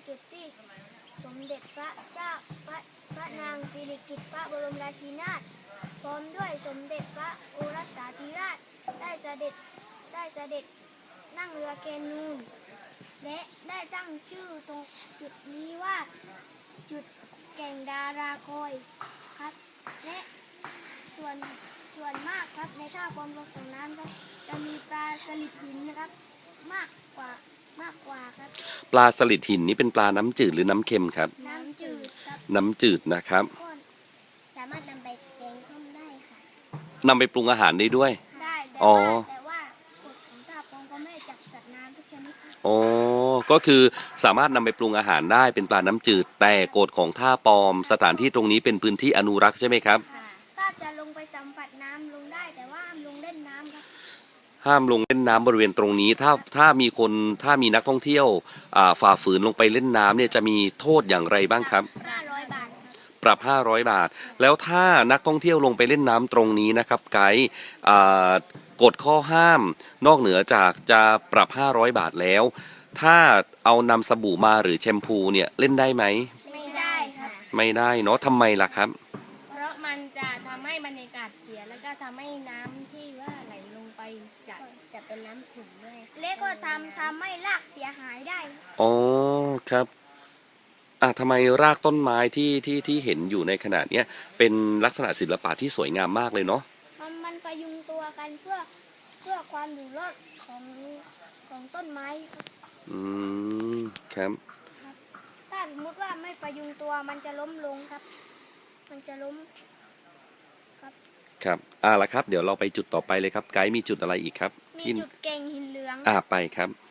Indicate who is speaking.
Speaker 1: จุดที่สมเด็จพระเจ้าพระนางสิริกิติ์พระบรมราชินีนาถพร้อมด้วยสมเด็จพระโอรสาธิราชได้เสด็จนั่งเรือแคนูนและได้ตั้งชื่อตรงจุดนี้ว่าจุดแก่งดาราคอยครับและส่วนมากครับในท่าความลงส่งน้ำครับจะมีปลาสลิดหินนะครับมากกว่าครับ
Speaker 2: ปลาสลิดหินนี้เป็นปลาน้ำจืดหรือน้ำเค็มครับ
Speaker 1: น้ำจืดครับ
Speaker 2: น้ำจืดนะครับ
Speaker 1: ก็สามารถนำไปแกงส้มได้ค่ะ
Speaker 2: นำไปปรุงอาหารได้ด้วย
Speaker 1: ได้แต่ว่ากฎของท่าปองก็ไม่จับสัตว์น้ำทุกชนิดครับ
Speaker 2: อ๋อก็คือสามารถนำไปปรุงอาหารได้เป็นปลาน้ำจืดแต่กฎของท่าปอมสถานที่ตรงนี้เป็นพื้นที่อนุรักษ์ใช่ไหมครับ
Speaker 1: ถ้าจะลงไปสัมผัสน้ำลงได้แต่ว่าห้ามลงเล่นน้ำครับ
Speaker 2: ห้ามลงเล่นน้ำบริเวณตรงนี้ถ้ามีนักท่องเที่ยวฝ่าฝืนลงไปเล่นน้ำเนี่ยจะมีโทษอย่างไรบ้างครับ
Speaker 1: 500 บาท
Speaker 2: ปรับ500 บาทแล้วถ้านักท่องเที่ยวลงไปเล่นน้ำตรงนี้นะครับไกด์กฎข้อห้ามนอกเหนือจากจะปรับ500 บาทแล้วถ้าเอานำสบู่มาหรือแชมพูเนี่ยเล่นได้ไหม
Speaker 1: ไม่ได้ครับ
Speaker 2: ไม่ได้เนาะทำไมล่ะครับ
Speaker 3: เพราะมันจะทำให้บรรยากาศเสียแล้วก็ทำให้น้ำที่ว่าไหลลงไปจะเป็นน้ำขุ่นด้วย
Speaker 1: และก็ทำให้รากเสียหายได้
Speaker 2: อ๋อครับทำไมรากต้นไม้ที่เห็นอยู่ในขณะนี้เป็นลักษณะศิลปะที่สวยงามมากเลยเนาะ
Speaker 1: มันประยุงตัวกันเพื่อความอยู่รอดของต้นไม้ครับ
Speaker 2: ครับ
Speaker 1: ถ้าสมมติว่าไม่ประยุงตัวมันจะล้มลงครับมันจะล้ม
Speaker 2: ครับละครับเดี๋ยวเราไปจุดต่อไปเลยครับไกด์มีจุดอะไรอีกครับ
Speaker 1: มีจุดแก่งหินเหลือง
Speaker 2: ไปครับ